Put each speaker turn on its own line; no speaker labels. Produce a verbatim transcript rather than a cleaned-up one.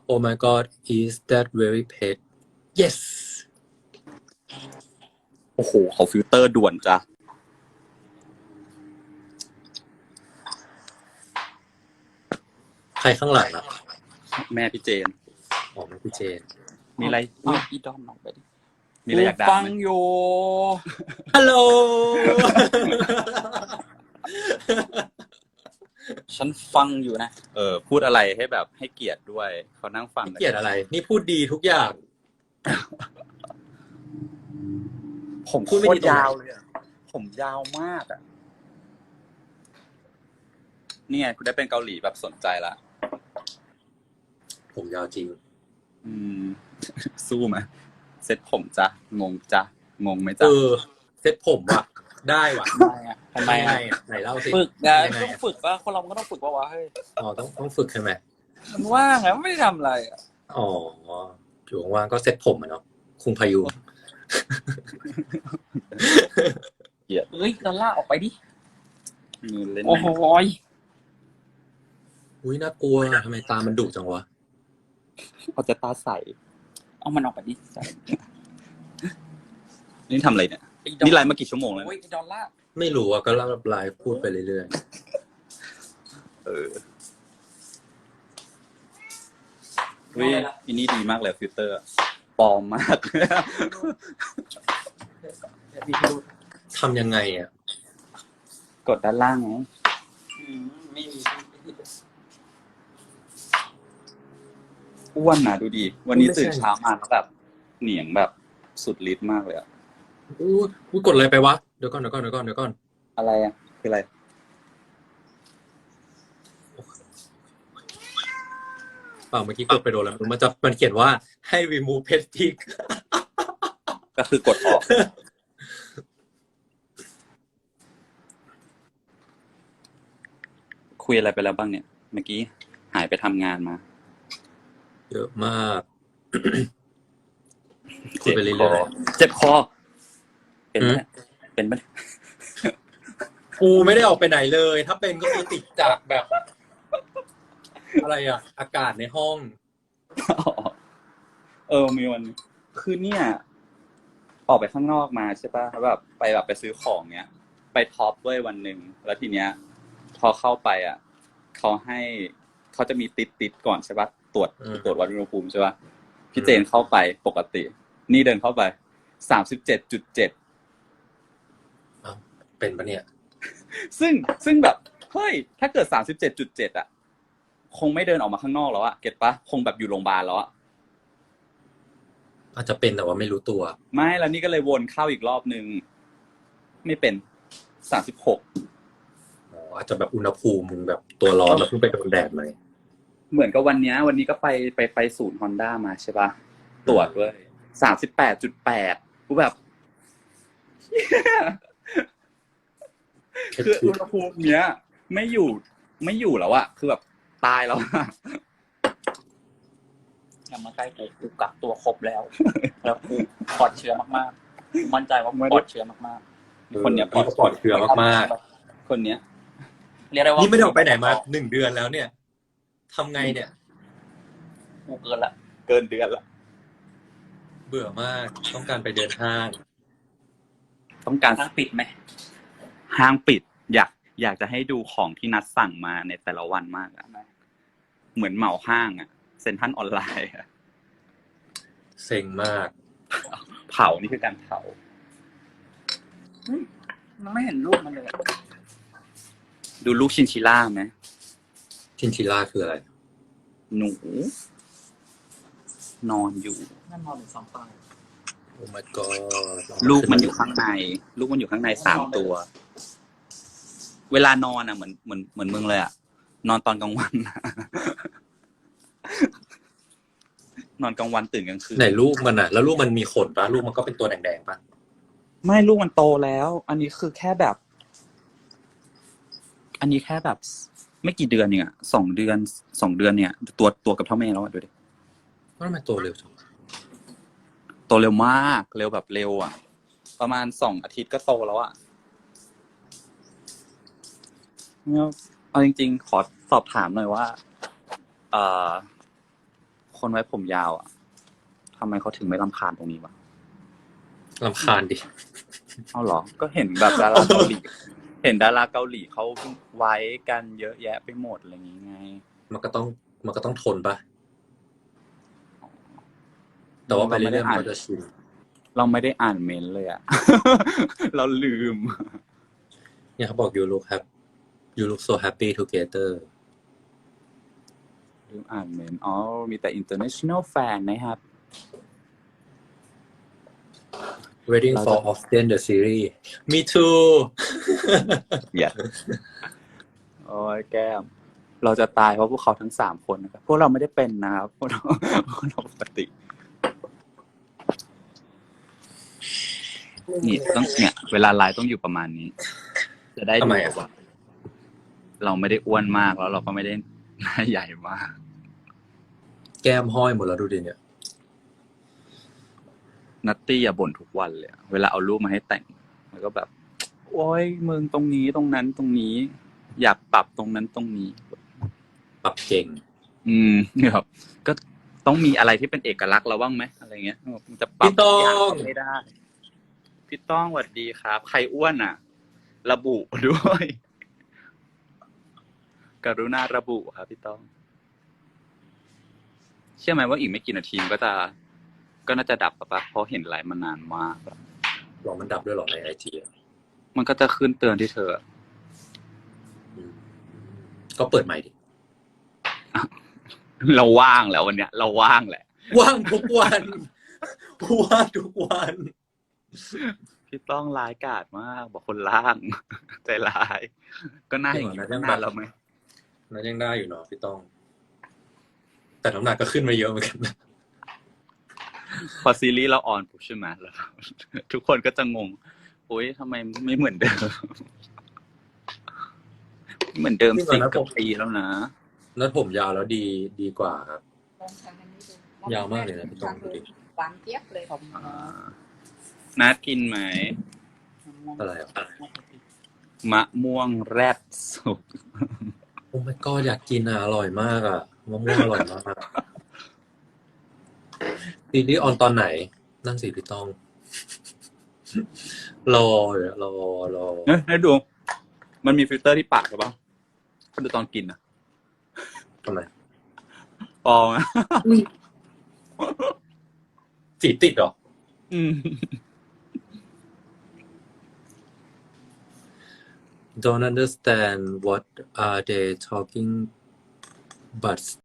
Oh my god, is that very pet? Yes.
โอ้โหเขาฟิลเตอร์ด่วนจ้ะ
ใครข้างหลังอ่ะ
แม่พี่เจน
อ๋อแม่พี่เจน
มีอะไร
อุ๊ยอีดอมออกไปดิ
มีอะไรอยากด่า
ฟัง
ไหม
อยู่
ฮัลโหล
ฉันฟังอยู่นะ
เออพูดอะไรให้แบบให้เกียรติด้วยเขานั่งฟัง
เกลียดอะไร นี่พูดดีทุกอย่าง
ผม
พูด
โค
ไม่
ต
ดี
ร
ตรงไหน
ยาวเลยอะผมยาวมากอ่ะนี่ไงคุณได้เป็นเกาหลีแบบสนใจละ
ผมยาวจริง
อืม สู้ไหมเซ็ตผมจ้ะงงจ้ะงงไหม
เอ
จ้ะ
อ เซ็ตผมว่ะ ได้ว่ะ
ทำไมอ่ะทำไม
ยังไง
อ่ะ
อ่ะไหนเล่าสิ
ฝึกนะ
ยังไง
ต้อง
อ่ะ
ฝึกว่าคนเรามันก็ต้องฝึกว่าวะเฮ้ย
อ๋อต้องต้องฝึกใช่ไหม
มันว่างไงมันไม่ได้ทำอะไรอ่ะ
อ๋ออยู่ว่างๆก็เซ็ตผมอ่ะเนาะคุงพายุ
เฮ้ยดอลลาร์ออกไปดิ
มือเล่น
โอ้โหย
อุ้ยน่ากลัวทำไมตามันดุจังวะ
เขาจะตาใส
เอามันออกไปดิ
นี่ทำอะไรเนี่ย
อ้ดอล
นี่ไลฟ์มากี่ชั่วโมงแล้ว
โอ้ยไอ้ดอลลาร์
ไม่รู้อ่ะก็เล่าไลฟ์พูดไปเรื่อย
เออเฮ้ยอันนี้ดีมากเลยฟิลเตอร์ปลอมมาก
ๆทำยังไงอ่ะ
กดด้านล่างไง
อืมไม่มี
อ้วนนะดูดี วันนี้ตื่นเช้ามาแล้วแบบเหนียงแบบสุดฤทธิ์มากเลยอะ
อู้อู้กดอะไรไปวะเดี๋ยวก่อนเดี๋ยวก่อนเดี๋ยวก่อนเดี๋ยวก่อน
อะไรอ่ะคืออะไร
เปล่าเมื่อกี้กดไปโดนแล้วมันจะมันเขียนว่าให้ remove pet tick
ก็คือกดออก คุยอะไรไปแล้วบ้างเนี่ย เมื่อกี้หายไปทำงานมา
เยอะมาก คุยไปเรื่อย
เจ็บคอ เป็นไหมเนี่ยเป็นไหม
ๆกูไม่ได้ออกไปไหนเลย ถ้าเป็นก็คือติดจากแบบ อะไรอ่ะ อากาศในห้อง
เออมีวันคือเนี่ย ออกไปข้างนอกมาใช่ป่ะแล้วแบบไปแบบไปซื้อของเนี้ย ไปท็อปด้วยวันหนึ่งแล้วทีเนี้ย พอเข้าไปอ่ะเขาให้เขาจะมีติดติดก่อนใช่ป่ะตรวจ
อืม
ตรวจวัดอุณหภูมิใช่ป่ะพี่เจนเข้าไปปกติ นี่เดินเข้าไปสามสิบเจ็ดจุดเจ็ด
เอ้าเป็นปะเนี่ย
ซึ่งซึ่งแบบเฮ้ยถ้าเกิดสามสิบเจ็ดจุดเจ็ดอ่ะคงไม่เดินออกมาข้างนอกแล้วอ่ะเก็ตปะคงแบบอยู่โรงพยาบาลแล้วอ่ะ
อาจจะเป็นแต่ว่าไม่รู้ตัว
ไม่แล้วนี่ก็เลยวนเข้าอีกรอบนึงไม่เป็นสามสิบหก
อ๋ออาจจะแบบอุณหภูมิมึงแบบตัวร้อนแล้วเพิ่งไปโดนแดดมา
เหมือนกับวันเนี้ยวันนี้ก็ไปไปไปศูนย์ Honda มาใช่ปะตรวจด้วยสามสิบแปดจุดแปดกูแบบ คืออุณหภูมิเนี้ย ไม่อยู่ไม่อยู่แล้วอะคือแบบตายแล้วอะ
อย่ามาใกล้กูกูกักตัวครบแล้ว แล้วกูปลอดเชื้อมากๆกูมั่นใจว่ากูปลอดเชื้อมาก
คนเนี้ย
ปลอดเชื้อมาก
คนเนี้ย
ๆเรียกได้
ๆ
ว่า
นี่ไม่ได้ออกไปไหนมาหนึ่งเดือนแล้วเนี่ยทำไงเนี่ย
กูเกินละ
เกินเดือนละ
เบื่อมากต้องการไปเดินห้าง
ต้องการ
ห้างปิดไหม
ห้างปิด อยากอยากจะให้ดูของที่นัดสั่งมาในแต่ละวันมากอะเหมือนเหมาห้างอะเซ็นทรัลออนไลน์อะ
เซ็งมาก
เผานี่คือการเผา
มันไม่เห็นรูปมันเลยอะ
ดูลูกชินชิล่าไหม
ชินชิล่าคืออะไร
หนู นอนอยู่
นั่นนอนอยู่สองฝั่ง
โอ้ my god
ลูกมันอยู่ข้างใน ลูกมันอยู่ข้างในสามตัว เวลานอนอ่ะเหมือนเหมือนเหมือนมึงเลยอ่ะ นอนตอนกลางวัน นอนกลางวันตื่นกลางคืน
ไหนลูกมันอ่ะ แล้วลูกมันมีขนปะลูกมันก็เป็นตัวแดงๆปะ
ไม่ลูกมันโตแล้ว อันนี้คือแค่แบบ อันนี้แค่แบบ ไม่กี่เดือนเนี่ยสองเดือนสองเดือนเนี่ย ตัวตัวกับเท่าแม่แล้วอ่ะดูดิ
ว่าทำไมตัวเร็วจัง
โตเร็วมาก เร็วแบบเร็วอ่ะ ประมาณสองอาทิตย์ก็โตแล้วอ่ะเนี่ยเอาจริงๆ ขอสอบถามหน่อยว่า เอ่อคนไว้ผมยาวอ่ะทำไมเขาถึงไม่รำคาญตรงนี้วะ
รำคาญดิ
เอาเหรอ ก็เห็นแบบดาราเกาหลี เห็นดาราเกาหลีเขาไว้กันเยอะแยะไปหมดอะไรอย่างงี้ไง
มันก็ต้องมันก็ต้องทนปะแต่ว่าไปเรื่อยๆมันก็จะชิน
เราไม่ได้อ่านเมนต์เลยอ่ะ เราลืม
เนี่ยเขาบอก you look happy you look so happy together
ลืมอ่านเมนต์อ๋อ มีแต่ international fan นะครับ
waiting
เรา
for
จะ
Austin the series me too
อย่า โอ้ยแก้ม เราจะตายเพราะพวกเขาทั้งสามคนนะครับ พวกเราไม่ได้เป็นนะครับ พวกเราพวกเราปกติ นี่ต้องเนี่ย เวลาไลฟ์ต้องอยู่ประมาณนี้ จะได้
ทำ
ดู
ไมอ่ะ
ว่าเราไม่ได้อ้วนมากแล้วเราก็ไม่ได้หน้าใหญ่มาก
แก้มห้อยหมดแล้วดูดิเนี่ย
นัตตี้อย่าบ่นทุกวันเลยอะเวลาเอารูปมาให้แต่งแล้วก็แบบ โอ้ยมึงตรงนี้ตรงนั้นตรงนี้ อยากปรับตรงนั้นตรงนี้
ปรับเก่ง
อืมเนี่ยครับก็ต้องมีอะไรที่เป็นเอกลักษณ์เราบ้างไหมอะไรเงี้ยมันจะปรับ
พี่ต้อง
ทุกอย่างก็ไม่ได้ พี่ต้องสวัสดีครับ ใครอ้วนอ่ะ ระบุด้วย กรุณาระบุครับพี่ต้อง เชื่อไหมว่าอีกไม่กี่นาทีมันก็จะ ก็น่าจะดับปะปะเพราะเห็นไลฟ์มานานมากแล้ว
ลองมันดับด้วยเหรอในไอจี
มันก็จะขึ้นเตือนที่เธอ
ก็เปิดใหม่ดิ
เราว่างแล้ววันเนี้ย เราว่างแหละ
ว่างทุกวัน ว่างทุกวัน
พี่ต้องร้ายกาจมาก บอกคนล่าง ใจร้าย ก็น่าอย่างนี้
จริงเหรอ
ตั้งนานแล้วไหม
นั้นยังได้อยู่เนาะพี่ต้อง แต่น้ำหนักก็ขึ้นมาเยอะเหมือนกันนะ
พอซีรีส์เราออนปุ๊บใช่ไหมแล้ว ทุกคนก็จะงงโอ๊ยทำไมไม่เหมือนเดิม เหมือนเดิมสิบกว่าปีแล้วนะ
นั้นผมยาวแล้วดีดีกว่าครับ ยาวมากเลยนะพี่ต้องดูดิ
หวานเจี๊ยบเลยผม
อ่านัดกินไหม
อะไรอ่ะ
มะม่วงแรดสุก
โอ้ my god อยากกินอ่ะอร่อยมากอ่ะมะม่วงอร่อยมากซีรีส์ออนตอนไหน นั่นสิพี่ต้อง รอเดี๋ยวรอรอ
เอ้ยให้ดู มันมีฟิลเตอร์ที่ปากใช่ปะก็ดูตอนกินนะ
ทำไม
ปองอะ
สีติดเหรอ
อืม
Don't understand what are they talking but